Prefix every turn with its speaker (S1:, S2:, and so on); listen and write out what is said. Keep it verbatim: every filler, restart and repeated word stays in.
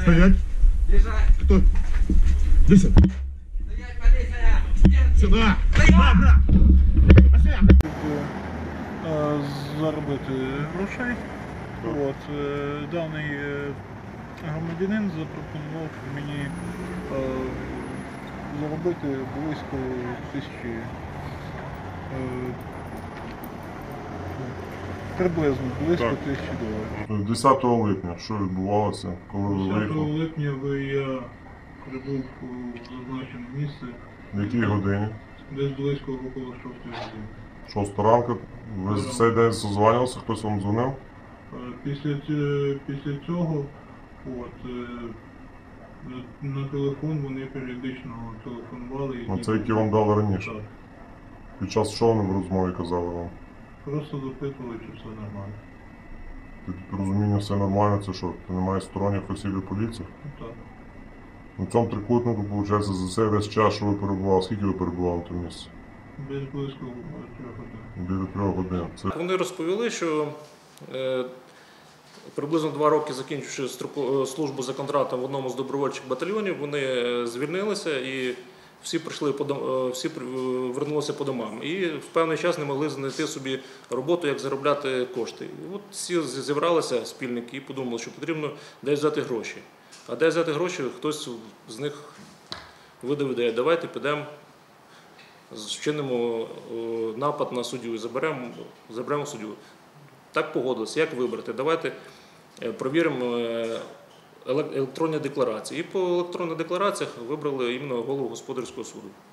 S1: Стоять. Кто? Десять. Сюда. Сюда, брат.
S2: Заробити грошей. От, даний громадянин запропонував мені е, заробити близько тисячі, е, приблизно близько
S1: Так.
S2: тисячі доларів.
S3: десятого липня, що відбувалося, коли ви
S2: десятого
S3: виїхали?
S2: липня ви я прибув у зазначене місце
S3: В якій годині?
S2: десь близько около шостої години.
S3: Шоста ранку. Ви за цей день созванювалися, хтось вам дзвонив?
S2: Е, Після, ць- після цього от, е, на- на телефон вони періодично телефонували. і
S3: На це, які вам дали раніше?
S2: Так.
S3: Під час чого вони в розмові казали вам?
S2: Просто запитували, чи все нормально.
S3: Під розуміння все нормально, це що? Ти немає сторонніх осіб і поліції?
S2: Ну, так.
S3: На цьому трикутнику, виходить, за цей весь час, що ви перебували, скільки ви перебували на тому місці?
S2: Десь близько трьох годин.
S3: Біля трьох годин. Це
S4: Вони розповіли, що е, приблизно два роки закінчивши строку- службу за контрактом в одному з добровольчих батальйонів, вони е, звільнилися і всі прийшли по дом- е, всі при- е, вернулися по домам. І в певний час не могли знайти собі роботу, як заробляти кошти. І от всі з- зібралися спільники і подумали, що потрібно десь взяти гроші. А де взяти гроші, хтось з них видав ідею, давайте підемо, вчинимо е, напад на суддю і заберемо, заберемо суддю. Так погодилися, як вибрати? Давайте е, провіримо е, еле- електронні декларації. І по електронних деклараціях вибрали іменно голову господарського суду.